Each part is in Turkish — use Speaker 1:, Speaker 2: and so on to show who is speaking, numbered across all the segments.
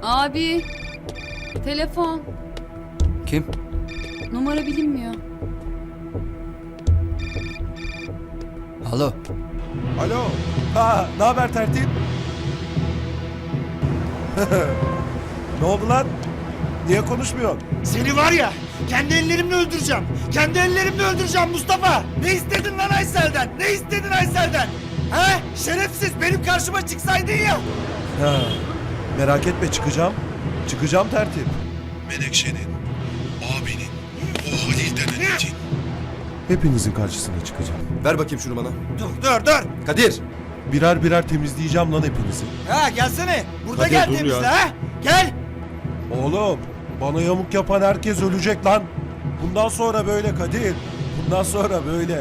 Speaker 1: Abi. Telefon.
Speaker 2: Kim?
Speaker 1: Numara bilinmiyor.
Speaker 2: Alo.
Speaker 3: Alo. Ha, ne haber tertip? Ne oldu lan? Niye konuşmuyorsun?
Speaker 4: Seni var ya, kendi ellerimle öldüreceğim. Kendi ellerimle öldüreceğim Mustafa. Ne istedin lan Aysel'den? Ne istedin Aysel'den? He? Şerefsiz, benim karşıma çıksaydın ya.
Speaker 3: Ha, merak etme çıkacağım. Çıkacağım tertip. Menekşe'nin, abinin, o Halil denen itin. Hepinizin karşısına çıkacağım.
Speaker 5: Ver bakayım şunu bana.
Speaker 4: Dur.
Speaker 5: Kadir!
Speaker 3: Birer birer temizleyeceğim lan hepinizi.
Speaker 4: Ha gelsene. Burada
Speaker 3: Hadi
Speaker 4: gel
Speaker 3: dur
Speaker 4: temizle
Speaker 3: ya.
Speaker 4: ha. Gel.
Speaker 3: Oğlum, bana yamuk yapan herkes ölecek lan. Bundan sonra böyle Kadir. Bundan sonra böyle.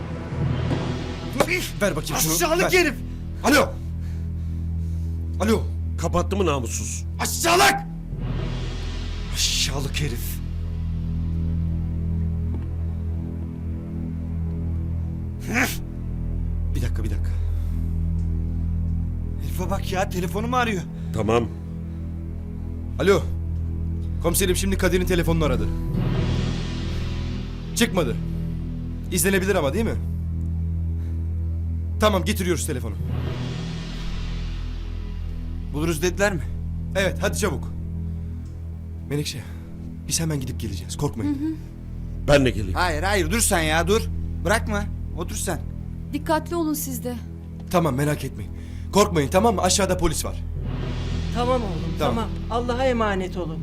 Speaker 5: Ver bakayım şunu.
Speaker 4: Aşağılık
Speaker 5: ver.
Speaker 4: herif.
Speaker 5: Alo! Alo!
Speaker 6: Kapattı mı namussuz?
Speaker 4: Aşağılık. Aşağılık herif.
Speaker 5: Bir dakika.
Speaker 4: Herife bak ya, telefonumu arıyor.
Speaker 6: Tamam.
Speaker 5: Alo! Komiserim şimdi Kadir'in telefonunu aradı. Çıkmadı. İzlenebilir ama değil mi? Tamam getiriyoruz telefonu.
Speaker 2: Buluruz dediler mi?
Speaker 5: Evet hadi çabuk. Menekşe biz hemen gidip geleceğiz korkmayın.
Speaker 6: Ben de geleyim.
Speaker 2: Hayır dur sen ya dur. Bırakma. Otur sen.
Speaker 1: Dikkatli olun siz de.
Speaker 5: Tamam merak etmeyin. Korkmayın tamam mı? Aşağıda polis var.
Speaker 7: Tamam oğlum
Speaker 5: Tamam.
Speaker 7: tamam. Allah'a emanet olun.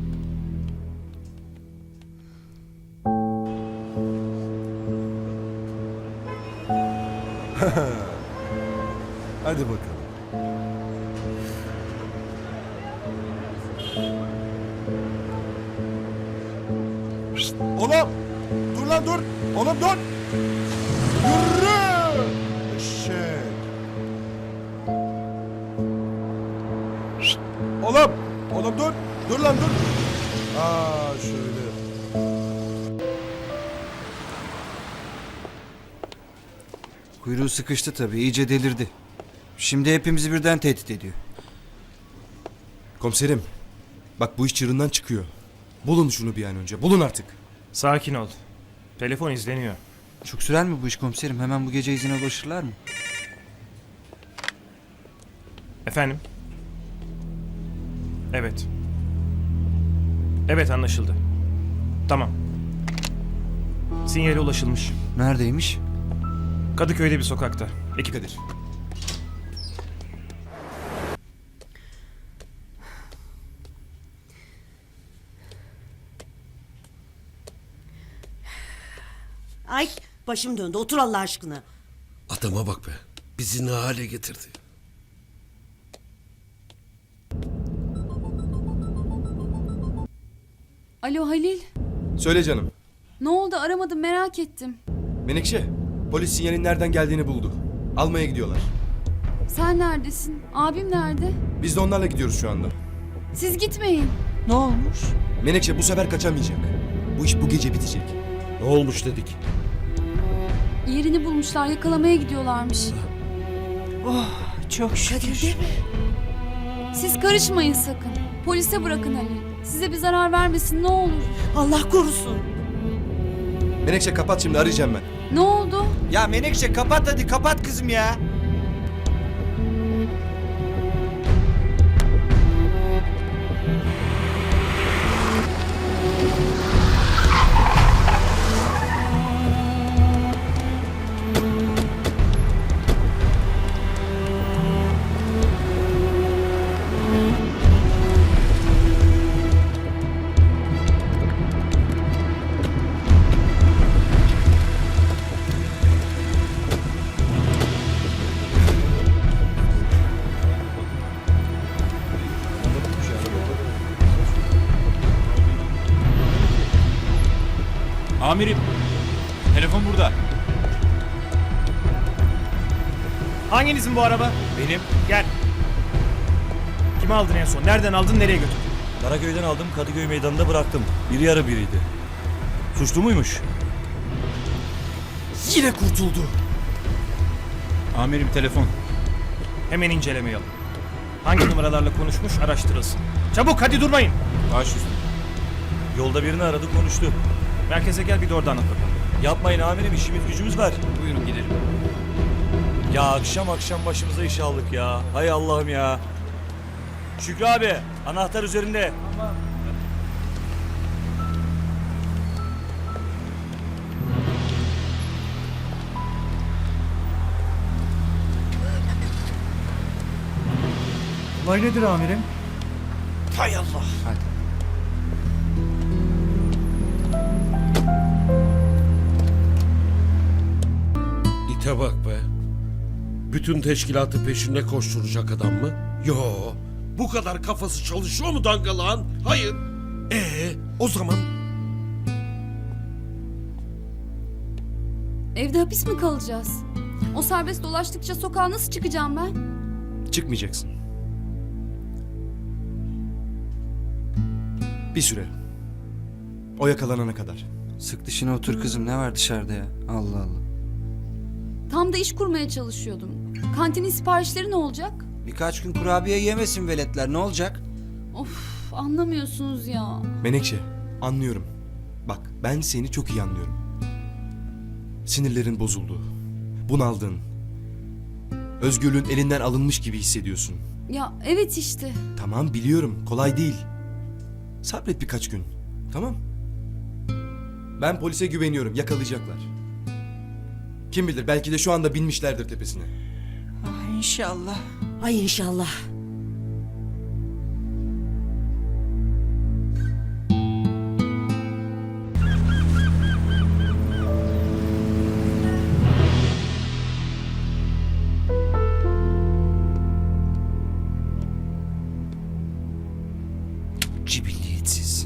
Speaker 3: Hadi bakalım. Şşt, oğlum! Dur lan dur! Oğlum dur! Yürü! Eşek! Şşt, oğlum! Oğlum dur! Dur lan dur! Aa şöyle.
Speaker 2: Kuyruğu sıkıştı tabii. İyice delirdi. Şimdi hepimizi birden tehdit ediyor.
Speaker 5: Komiserim bak bu iş çığırından çıkıyor. Bulun şunu bir an önce. Bulun artık.
Speaker 8: Sakin ol. Telefon izleniyor.
Speaker 2: Çok sürer mi bu iş komiserim? Hemen bu gece izine ulaşırlar mı?
Speaker 8: Efendim? Evet. Evet anlaşıldı. Tamam. Sinyale ulaşılmış.
Speaker 2: Neredeymiş?
Speaker 8: Kadıköy'de bir sokakta. Ekip
Speaker 5: Kadir.
Speaker 7: Ay başım döndü. Otur Allah aşkına.
Speaker 6: Adama bak be. Bizi ne hale getirdi.
Speaker 1: Alo Halil.
Speaker 5: Söyle canım.
Speaker 1: Ne oldu aramadım merak ettim.
Speaker 5: Menekşe polis sinyalin nereden geldiğini buldu. Almaya gidiyorlar.
Speaker 1: Sen neredesin? Abim nerede?
Speaker 5: Biz de onlarla gidiyoruz şu anda.
Speaker 1: Siz gitmeyin.
Speaker 7: Ne olmuş?
Speaker 5: Menekşe bu sefer kaçamayacak. Bu iş bu gece bitecek.
Speaker 6: Ne olmuş dedik.
Speaker 1: Yerini bulmuşlar yakalamaya gidiyorlarmış.
Speaker 7: Çok şükür.
Speaker 1: Siz karışmayın sakın. Polise bırakın Halil. Size bir zarar vermesin ne olur.
Speaker 7: Allah korusun.
Speaker 5: Menekşe kapat şimdi arayacağım ben.
Speaker 1: Ne oldu?
Speaker 2: Ya Menekşe kapat hadi kapat kızım ya.
Speaker 9: Amirim, telefon burada.
Speaker 8: Hanginizin bu araba?
Speaker 9: Benim.
Speaker 8: Gel. Kimi aldın en son? Nereden aldın? Nereye götürdün?
Speaker 9: Karaköy'den aldım, Kadıköy meydanında bıraktım. Biri yarı biriydi. Suçlu muymuş?
Speaker 4: Yine kurtuldu.
Speaker 9: Amirim telefon.
Speaker 8: Hemen inceleme yapın. Hangi numaralarla konuşmuş araştırılsın. Çabuk hadi durmayın.
Speaker 9: Baş üstüne. Yolda birini aradı konuştu.
Speaker 8: Merkeze gel bir de orada anlat bakalım.
Speaker 9: Yapmayın amirim işimiz gücümüz var.
Speaker 8: Buyurun gidelim.
Speaker 9: Ya akşam akşam başımıza iş aldık ya. Hay Allah'ım ya. Şükrü abi anahtar üzerinde.
Speaker 8: Olay nedir amirim?
Speaker 4: Hay Allah.
Speaker 6: İte bak be. Bütün teşkilatı peşinde koşturacak adam mı? Yo. Bu kadar kafası çalışıyor mu dangalağın? Hayır. O zaman
Speaker 1: Evde hapis mi kalacağız? O serbest dolaştıkça sokağa nasıl çıkacağım ben?
Speaker 5: Çıkmayacaksın. Bir süre. O yakalanana kadar.
Speaker 2: Sık dişine otur kızım, ne var dışarıda ya? Allah Allah.
Speaker 1: Tam da iş kurmaya çalışıyordum. Kantinin siparişleri ne olacak?
Speaker 2: Birkaç gün kurabiye yemesin veletler, ne olacak?
Speaker 1: Of, anlamıyorsunuz ya.
Speaker 5: Menekşe, anlıyorum. Bak, ben seni çok iyi anlıyorum. Sinirlerin bozuldu. Bunaldın. Özgürlüğün elinden alınmış gibi hissediyorsun.
Speaker 1: Ya evet işte.
Speaker 5: Tamam, biliyorum. Kolay değil. Sabret birkaç gün. Tamam. Ben polise güveniyorum. Yakalayacaklar. Kim bilir, belki de şu anda binmişlerdir tepesine.
Speaker 7: İnşallah. Ay inşallah.
Speaker 2: Cibilliyetsiz.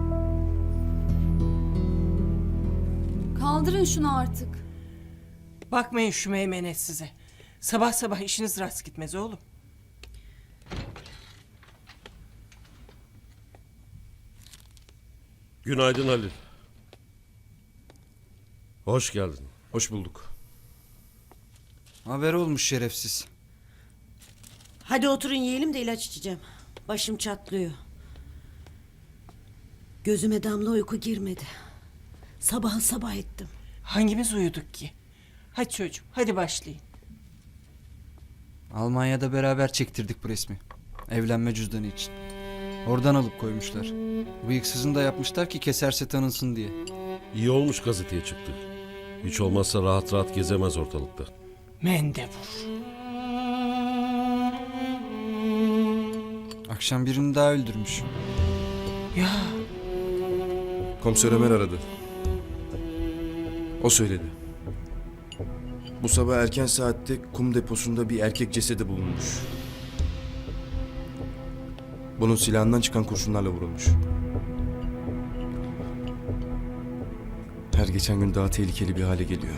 Speaker 1: Kaldırın şunu artık.
Speaker 10: Bakmayın şu meymenet size. Sabah sabah işiniz rast gitmez oğlum.
Speaker 6: günaydın Halil. Hoş geldin.
Speaker 5: Hoş bulduk.
Speaker 2: Haber olmuş şerefsiz.
Speaker 7: Hadi oturun yiyelim de ilaç içeceğim. Başım çatlıyor. Gözüme damla uyku girmedi. Sabah sabah ettim.
Speaker 10: Hangimiz uyuduk ki? Hadi çocuğum hadi başlayın.
Speaker 2: Almanya'da beraber çektirdik bu resmi. Evlenme cüzdanı için. Oradan alıp koymuşlar. Bıyıksızını da yapmışlar ki keserse tanınsın diye.
Speaker 6: İyi olmuş gazeteye çıktı. Hiç olmazsa rahat rahat gezemez ortalıkta.
Speaker 10: Mendebur.
Speaker 2: Akşam birini daha öldürmüş.
Speaker 10: Ya
Speaker 5: Komiser Ömer aradı. O söyledi. Bu sabah erken saatte kum deposunda bir erkek cesedi bulunmuş. Bunun silahından çıkan kurşunlarla vurulmuş. Her geçen gün daha tehlikeli bir hale geliyor.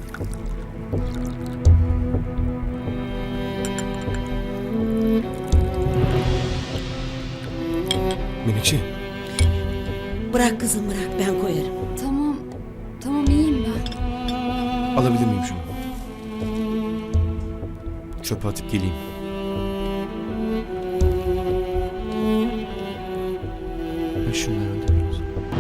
Speaker 5: Menekşe,
Speaker 7: Bırak kızım bırak ben koyarım.
Speaker 1: Tamam. Tamam iyiyim ben.
Speaker 5: alabilir miyim şunu? Çöpe atıp geleyim.
Speaker 2: Ver şunları da biraz.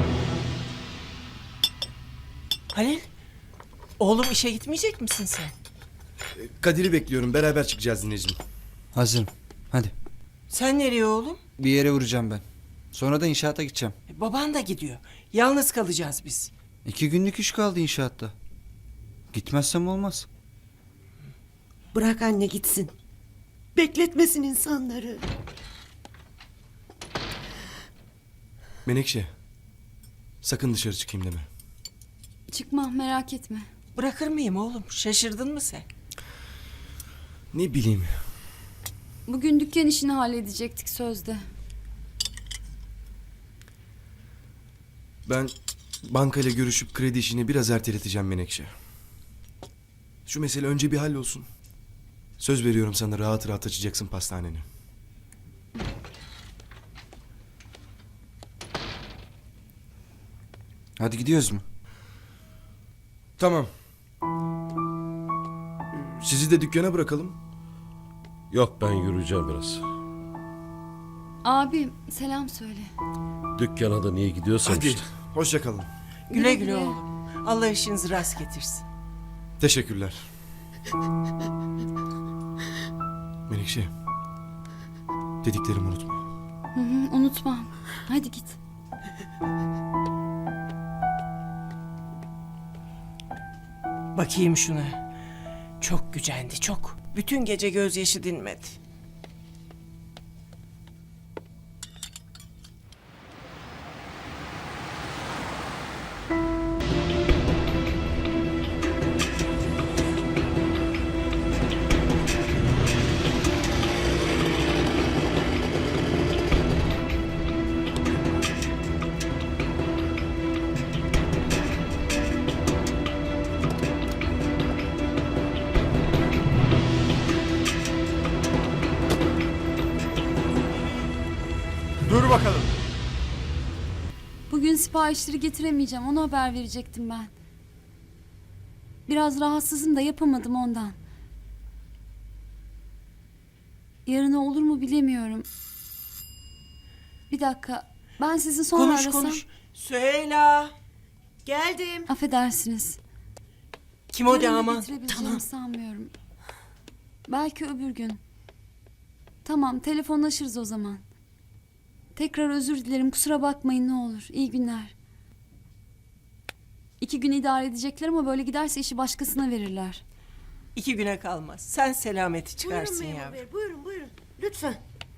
Speaker 10: Halil. Oğlum işe gitmeyecek misin sen?
Speaker 5: Kadir'i bekliyorum. Beraber çıkacağız dinleyicim.
Speaker 2: Hazırım. Hadi.
Speaker 10: Sen nereye oğlum?
Speaker 2: Bir yere vuracağım ben. Sonra da inşaata gideceğim.
Speaker 10: Baban da gidiyor. Yalnız kalacağız biz.
Speaker 2: 2 günlük iş kaldı inşaatta. Gitmezsem olmaz.
Speaker 7: Bırak anne gitsin. Bekletmesin insanları.
Speaker 5: Menekşe, sakın dışarı çıkayım deme.
Speaker 1: Çıkma merak etme.
Speaker 10: Bırakır mıyım oğlum? Şaşırdın mı sen?
Speaker 5: Ne bileyim.
Speaker 1: Bugün dükkan işini halledecektik sözde.
Speaker 5: Ben bankayla görüşüp kredi işini biraz erteleteceğim Menekşe. Şu mesele önce bir hallolsun. Söz veriyorum sana rahat rahat açacaksın pastaneni.
Speaker 2: Hadi gidiyoruz mu?
Speaker 5: Tamam. Sizi de dükkana bırakalım.
Speaker 6: Yok ben yürüyeceğim biraz.
Speaker 1: Abi selam söyle.
Speaker 6: Dükkana da niye gidiyorsan
Speaker 5: Hadi
Speaker 6: işte.
Speaker 5: hoşça kalın.
Speaker 10: Güle güle oğlum. Allah işinizi rast getirsin.
Speaker 5: Teşekkürler. Menekşe. Dediklerimi unutma.
Speaker 1: Hı hı, unutmam. Hadi git.
Speaker 10: Bakayım şuna. Çok gücendi çok. Bütün gece gözyaşı dinmedi.
Speaker 3: Dur bakalım.
Speaker 1: Bugün siparişleri getiremeyeceğim. Ona haber verecektim ben. Biraz rahatsızım da yapamadım ondan. Yarına olur mu bilemiyorum. Bir dakika. Ben sizi sonra
Speaker 10: Konuş
Speaker 1: arasam.
Speaker 10: konuş. Süheyla.
Speaker 7: Geldim.
Speaker 1: Affedersiniz.
Speaker 10: Kim o
Speaker 1: Yarın da
Speaker 10: damat?
Speaker 1: getirebileceğimi sanmıyorum. Belki öbür gün. Tamam, telefonlaşırız o zaman. Tekrar özür dilerim, kusura bakmayın ne olur. İyi günler. 2 gün idare edecekler ama böyle giderse işi başkasına verirler.
Speaker 10: 2 güne kalmaz. Sen selameti
Speaker 7: Buyurun
Speaker 10: çıkarsın
Speaker 7: memur
Speaker 10: yavrum.
Speaker 7: bey. Buyurun buyurun. Lütfen.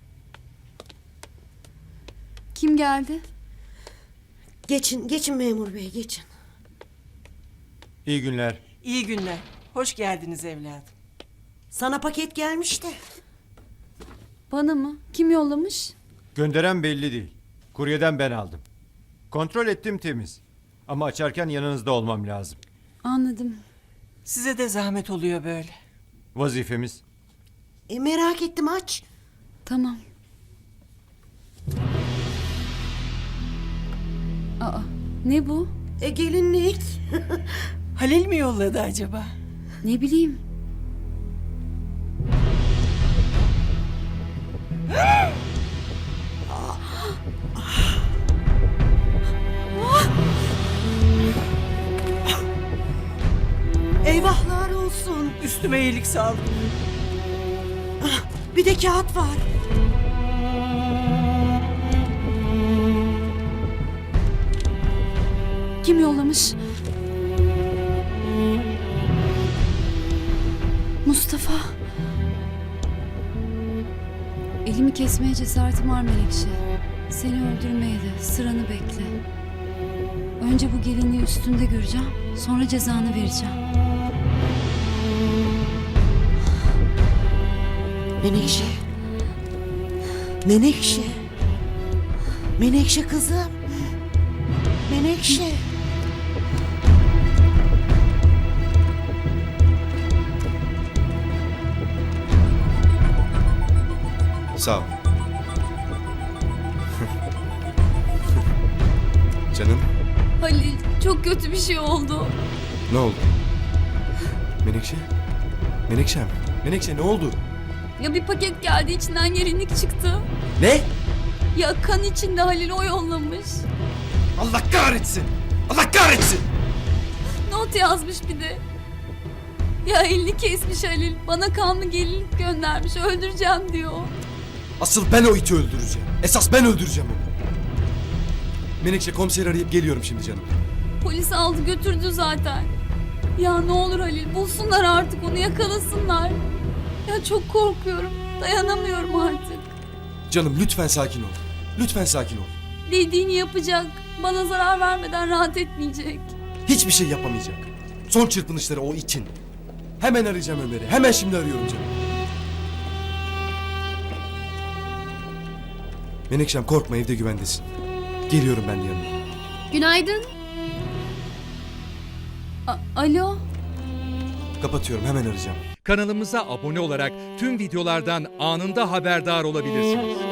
Speaker 1: Kim geldi?
Speaker 7: Geçin memur bey geçin.
Speaker 3: İyi günler.
Speaker 10: İyi günler. Hoş geldiniz evladım.
Speaker 7: Sana paket gelmiş de.
Speaker 1: Bana mı? Kim yollamış?
Speaker 11: Gönderen belli değil. Kuryeden ben aldım. Kontrol ettim temiz. Ama açarken yanınızda olmam lazım.
Speaker 1: Anladım.
Speaker 10: Size de zahmet oluyor böyle.
Speaker 11: Vazifemiz.
Speaker 7: Merak ettim aç.
Speaker 1: Tamam. Aa, ne bu?
Speaker 7: Gelinlik.
Speaker 10: Halil mi yolladı acaba?
Speaker 1: Ne bileyim.
Speaker 7: Eyvahlar olsun.
Speaker 10: Üstüme iyilik sağlık.
Speaker 7: Bir de kağıt var.
Speaker 1: Kim yollamış? Mustafa. Elimi kesmeye cesaretim var Melekşe. Seni öldürmeye de sıranı bekle. Önce bu gelinliği üstünde göreceğim. Sonra cezanı vereceğim.
Speaker 7: Menekşe. Menekşe. Menekşe kızım. Menekşe.
Speaker 5: Sağ ol. Canım
Speaker 1: Halil, çok kötü bir şey oldu.
Speaker 5: ne oldu? Menekşe? Menekşem. Menekşe ne oldu?
Speaker 1: Ya bir paket geldi, içinden gelinlik çıktı.
Speaker 5: Ne?
Speaker 1: Ya kan içinde, Halil o yollamış.
Speaker 5: Allah kahretsin! Allah kahretsin!
Speaker 1: Not yazmış bir de. Ya elini kesmiş Halil. Bana kanlı gelinlik göndermiş. Öldüreceğim diyor.
Speaker 5: Asıl ben o iti öldüreceğim. Esas ben öldüreceğim onu. Menekşe komiseri arayıp geliyorum şimdi canım.
Speaker 1: Polis aldı götürdü zaten. Ya ne olur Halil, bulsunlar artık onu, yakalasınlar. Ya çok korkuyorum. Dayanamıyorum artık.
Speaker 5: Canım lütfen sakin ol. Lütfen sakin ol.
Speaker 1: Dediğini yapacak. Bana zarar vermeden rahat etmeyecek.
Speaker 5: Hiçbir şey yapamayacak. Son çırpınışları o için. Hemen arayacağım Ömer'i. Hemen şimdi arıyorum canım. Menekşem korkma, evde güvendesin. Geliyorum ben de yanına.
Speaker 1: Günaydın. Alo.
Speaker 5: Kapatıyorum, hemen arayacağım.
Speaker 12: Kanalımıza abone olarak tüm videolardan anında haberdar olabilirsiniz.